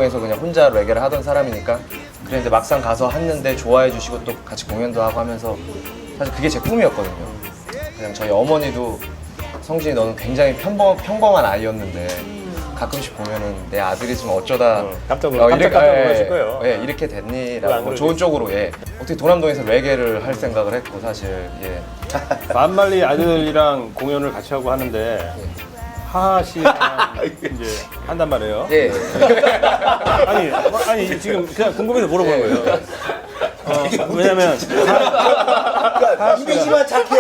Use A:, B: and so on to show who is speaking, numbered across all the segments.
A: 도남동에서 그냥 혼자 레게를 하던 사람이니까 그랬는데 막상 가서 했는데 좋아해 주시고 또 같이 공연도 하고 하면서 사실 그게 제 꿈이었거든요. 그냥 저희 어머니도 성진이 너는 굉장히 평범한 아이였는데 가끔씩 보면은 내 아들이 지금 어쩌다
B: 깜짝 놀라실 거예요.
A: 예, 이렇게 됐니라고 좋은 쪽으로 예. 어떻게 도남동에서 레게를 할 생각을 했고 사실 예.
B: 만말리 아들이랑 공연을 같이 하고 하는데 하하 씨랑 이제 한단 말이에요.
A: 예.
B: 아니 지금 그냥 궁금해서 물어보는 거예요. 왜냐면
C: 이미지만 착해.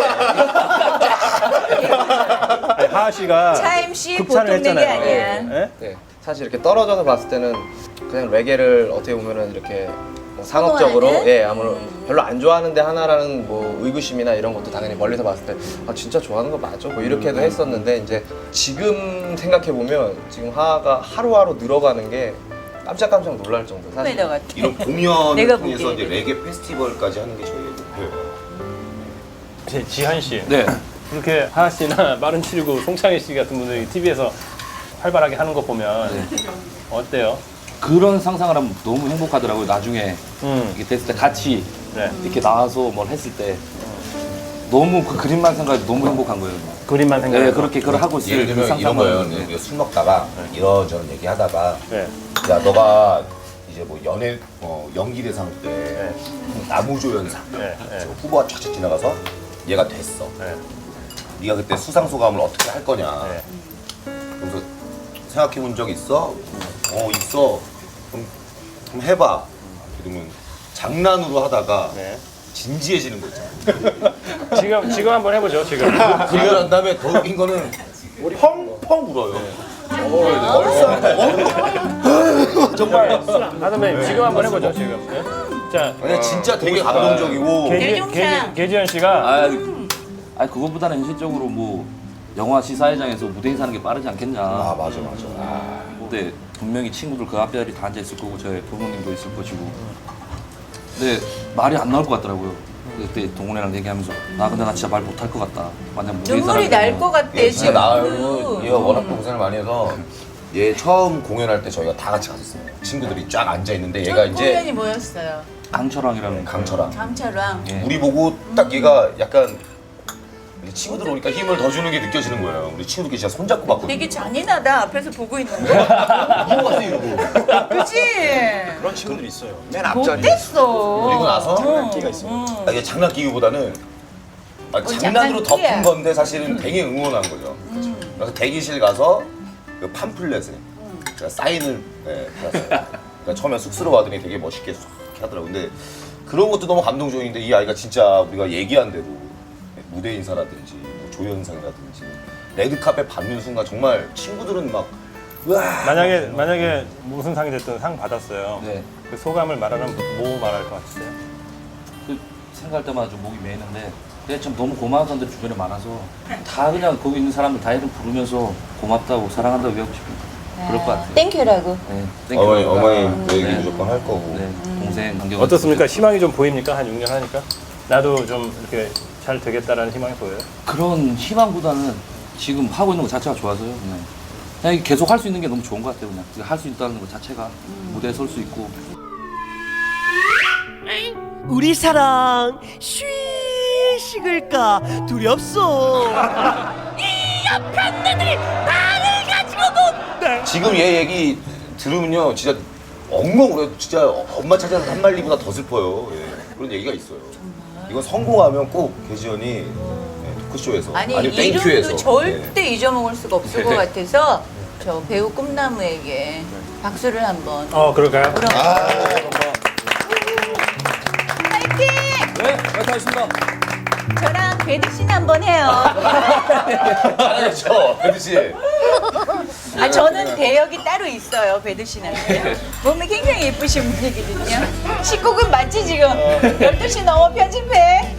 B: 하하 씨가
D: 차임씨
B: 극찬을
D: 보통 내게
B: 했잖아요.
D: 아니야.
B: 예?
A: 네. 사실 이렇게 떨어져서 봤을 때는 그냥 레게를 어떻게 보면은 이렇게 뭐 상업적으로
D: 선호하는?
A: 예 아무런 별로 안 좋아하는데 하나라는 뭐 의구심이나 이런 것도 당연히 멀리서 봤을 때 아 진짜 좋아하는 거 맞아? 뭐 이렇게도 했었는데 이제 지금 생각해 보면 지금 하하가 하루하루 늘어가는 게 깜짝깜짝 놀랄 정도 사실.
D: 내가 같아.
C: 이런 공연을
D: 내가
C: 통해서
D: 보기에는.
C: 이제 레게 페스티벌까지 하는 게 저희의 목표예요.
B: 지한 씨.
E: 네.
B: 그렇게 하하 씨나 마른719 송창희 씨 같은 분들이 TV에서 활발하게 하는 거 보면 어때요?
E: 그런 상상을 하면 너무 행복하더라고요. 나중에 이게 됐을 때 같이
B: 네.
E: 이렇게 나와서 뭘 했을 때 너무 그 그림만 생각해도 너무 행복한 거예요.
B: 그림만 생각해.
E: 네, 그렇게 그걸 하고
C: 예를
E: 있을 그
C: 들면 이런 거예요.
E: 상상을.
C: 우리가 술 먹다가 이런저런 얘기하다가
B: 네.
C: 야 너가 이제 뭐 연예 연기대상 때
B: 네.
C: 나무조연상
B: 네. 네.
C: 후보가 쫙쫙 지나가서 얘가 됐어.
B: 네.
C: 네가 그때 수상 소감을 어떻게 할 거냐.
B: 네.
C: 그래서 생각해 본 적 있어? 있어. 그럼 해봐. 그러면 장난으로 하다가
B: 네.
C: 진지해지는 거 있잖아.
B: 지금 한번 해보죠. 지금.
C: 그러고 난 다음에 더 웃긴 거는 펑펑 울어요. 정말.
B: 하드맨 지금 한번 해보죠. 지금. 네? 자,
C: 아니 진짜 되게 감동적이고
D: 대종상.
B: 계지현 씨가
E: 아니 그것보다는 현실적으로 뭐 영화 시사회장에서 무대 인사하는 게 빠르지 않겠냐.
C: 맞아.
E: 근데 분명히 친구들 그 앞자리 다 앉아 있을 거고 저희 부모님도 있을 것이고. 근데 말이 안 나올 것 같더라고요. 그때 동훈이랑 얘기하면서 나 근데 나 진짜 말 못할 것 같다. 만약 무대
D: 눈물이 날 것 같대
C: 진짜
D: 지금.
C: 나요. 얘가 워낙 고생을 많이 해서 얘 처음 공연할 때 저희가 다 같이 갔었어요. 친구들이 쫙 앉아 있는데 얘가 이제
D: 공연이 뭐였어요?
E: 강철왕이라는
C: 강철아.
D: 강철왕.
E: 예.
C: 우리 보고 딱 얘가 약간 우리 친구들 오니까 힘을 더 주는 게 느껴지는 거예요. 우리 친구들끼리 진짜 손잡고 봤거든요.
D: 되게 잔인하다 앞에서 보고 있는데.
C: 넘어갔어 이러고.
D: 그치?
A: 그런 친구들이 있어요. 맨 앞자리.
D: 못됐어.
C: 그리고 나서
A: 장난기가 있어요.
C: 이게 장난기기보다는 장난으로
D: 장난기야.
C: 덮은 건데 사실은 되게 응원한 거죠. 그래서 대기실 가서 그 팜플렛에 제가 사인을 받았어요. 그러니까 처음에 쑥스러워하더니 되게 멋있게 쏙 하더라고요. 근데 그런 것도 너무 감동적인데 이 아이가 진짜 우리가 얘기한 대로 무대 인사라든지 뭐 조연상이라든지 레드카펫 받는 순간 정말 친구들은 막 우와
B: 만약에 무슨 상이 됐든 상 받았어요.
E: 네.
B: 그 소감을 말하면 뭐 말할 것 같으세요?
E: 그 생각할 때마다 좀 목이 메이는데 근데 참 너무 고마운 사람들이 주변에 많아서 다 그냥 거기 있는 사람들 다 이름 부르면서 고맙다고 사랑한다고 얘기하고 싶은 그럴 것 같아요.
D: 땡큐라고.
E: 네, 땡큐.
C: 어머니 그 얘기
E: 네.
C: 무조건 할 거고.
E: 네, 동생 관계가
B: 어떻습니까? 희망이 좀 보입니까? 한 6년 하니까 나도 좀 이렇게 잘 되겠다라는 희망이 보여요.
E: 그런 희망보다는 지금 하고 있는 것 자체가 좋아서요. 그냥 계속 할 수 있는 게 너무 좋은 것 같아요. 그냥 할 수 있다는 것 자체가 무대에 설 수 있고.
F: 우리 사랑 쉬 식을까 두렵소.
C: 지금 얘 얘기 들으면요 진짜 엉엉 울어요. 진짜 엄마 찾아서 한 말리보다 더 슬퍼요. 예. 그런 얘기가 있어요. 이건 성공하면 꼭 계지연이 토크쇼에서
D: 아니
C: 아니면
D: 이름도
C: 땡큐에서
D: 절대 잊어먹을 수가 없을 것 같아서 저 배우 꿈나무에게 박수를 한번.
B: 그럴까요?
D: 그럼 파이팅!
E: 네, 감사합니다.
D: 저랑 배드 씨는 한번 해요.
C: 잘하죠 배드 씨.
D: 아 저는 대역이 따로 있어요 배드 씨한테. 몸이 굉장히 예쁘신 분이거든요. 19금 맞지 지금? 12시 넘어 편집해.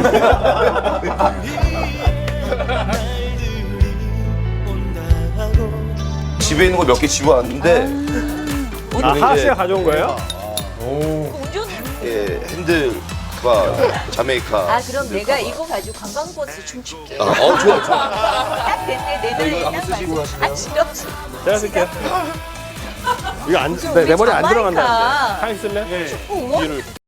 C: 집에 있는 거 몇 개 집어왔는데
B: 하하 씨가 가져온 거예요?
D: 운전.
C: 예, 핸들과 자메이카.
D: 아 그럼 내가 이거 가지고 관광버스 춤출게.
C: 좋아.
D: 딱 됐네 내 노래 딱 맞아. 아 싫어.
B: 제가 쓸게요. 이거 내 머리 안 들어간다는데. 하이 쓸래?
D: 우와?
B: 뒤를.